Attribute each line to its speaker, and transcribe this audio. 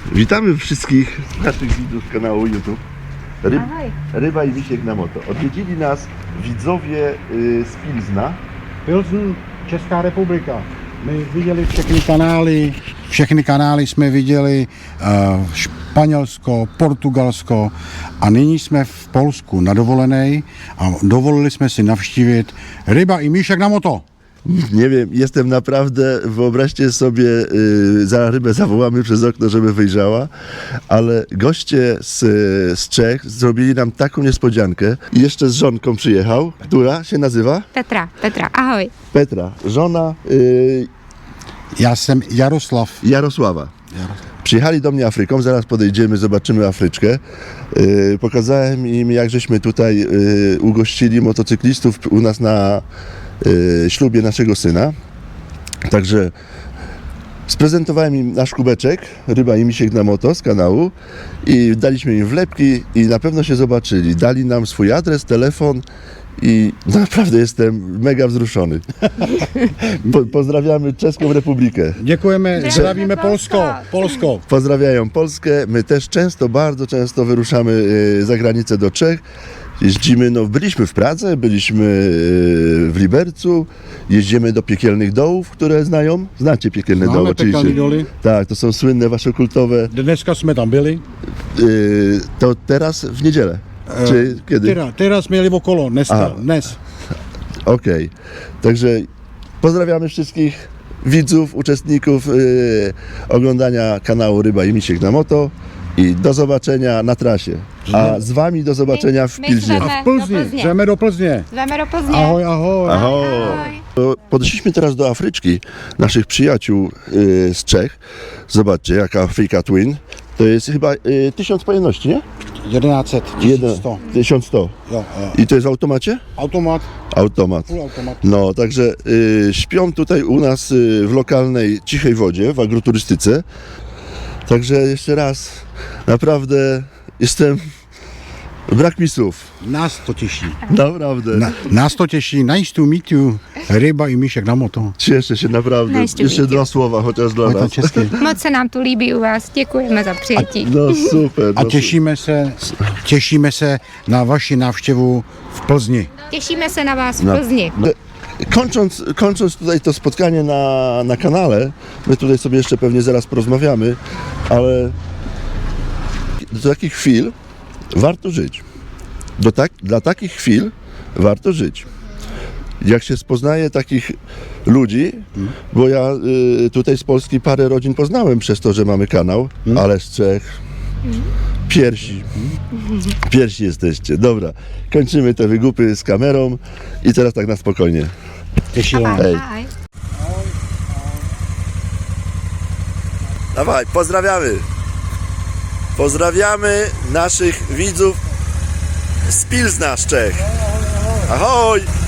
Speaker 1: Witamy wszystkich naszych widzów z kanału YouTube Ryba i Misiek na moto. Odwiedzili nas widzowie z Pilzna.
Speaker 2: Pilzen, Česká republika. My viděli všechny kanály jsme viděli, Španělsko, Portugalsko a nyní jsme v Polsku na dovolené a dovolili jsme si navštívit Ryba i Míšek na moto.
Speaker 1: Nie wiem, jestem naprawdę, wyobraźcie sobie, za rybę zawołamy przez okno, żeby wyjrzała, ale goście z Czech zrobili nam taką niespodziankę. I jeszcze z żonką przyjechał, która się nazywa?
Speaker 3: Petra, ahoj.
Speaker 1: Petra, żona
Speaker 2: Já jsem
Speaker 1: Jarosława. Przyjechali do mnie Afryką, zaraz podejdziemy, zobaczymy Afryczkę. Pokazałem im, jak żeśmy tutaj ugościli motocyklistów u nas na ślubie naszego syna. Także sprezentowałem im nasz kubeczek, Ryba i Misiek na moto z kanału i daliśmy im wlepki i na pewno się zobaczyli. Dali nam swój adres, telefon i naprawdę jestem mega wzruszony. Pozdrawiamy Czeską Republikę.
Speaker 2: Děkujeme, zdravíme Polsko.
Speaker 1: Pozdrawiają Polskę. My też bardzo często wyruszamy za granicę do Czech. Jeździmy, byliśmy w Pradze, byliśmy w Libercu, jeździmy do Piekielnych Dołów, które znacie Piekielne Doły oczywiście.
Speaker 2: Piekielne Doły.
Speaker 1: Tak, to są słynne wasze kultowe.
Speaker 2: Dneska jsme tam byli.
Speaker 1: To teraz w niedzielę, czy kiedy?
Speaker 2: Teraz mieli okolo, dnes.
Speaker 1: Okej. Także pozdrawiamy wszystkich widzów, uczestników oglądania kanału Ryba i Misiek na moto i do zobaczenia na trasie. A z wami do zobaczenia w Pilznie.
Speaker 2: A w Plzni, jdeme do Plzně.
Speaker 3: Zweme do Plzně.
Speaker 2: Ahoj, ahoj.
Speaker 1: Ahoj. Podeszliśmy teraz do Afryczki, naszych przyjaciół z Czech. Zobaczcie, jaka Afrika Twin. To jest chyba 1000 pojemności, nie?
Speaker 2: 1100, 1100.
Speaker 1: 1100.
Speaker 2: Jo, jo.
Speaker 1: I to jest w automacie?
Speaker 2: Automat,
Speaker 1: Automat.
Speaker 2: full automat.
Speaker 1: No, także śpią tutaj u nas w lokalnej cichej wodzie, w agroturystyce. Także jeszcze raz, naprawdę brak mi słów.
Speaker 2: Nás to těší.
Speaker 1: Naprawdę.
Speaker 2: Nás to těší. Nice to meet you, Ryba i Míšek na moto.
Speaker 1: Cieszę się naprawdę.
Speaker 3: Nice to
Speaker 1: Jeszcze
Speaker 3: meet you.
Speaker 1: 2 słowa chociaż dla
Speaker 2: Je to
Speaker 1: nas.
Speaker 2: česky.
Speaker 3: Moc se nám tu líbí u vás. Děkujeme za přijetí.
Speaker 1: No super.
Speaker 2: A
Speaker 1: no,
Speaker 2: těšíme se na vaši návštěvu v Plzni.
Speaker 3: Těšíme se na vás v
Speaker 1: No.
Speaker 3: Plzni.
Speaker 1: Kończąc tutaj to spotkanie na kanale, my tutaj sobie jeszcze pewnie zaraz porozmawiamy, ale do takich chwil warto żyć. Dla takich chwil warto żyć. Jak się spoznaje takich ludzi, bo ja tutaj z Polski parę rodzin poznałem przez to, że mamy kanał, ale z Czech Piersi jesteście. Dobra, kończymy te wygupy z kamerą i teraz tak na spokojnie.
Speaker 2: Těšíme.
Speaker 1: Hej.
Speaker 3: Ahoj.
Speaker 1: Dawaj, pozdrawiamy. Pozdrawiamy naszych widzów z Pilzna, z Czech. Ahoj!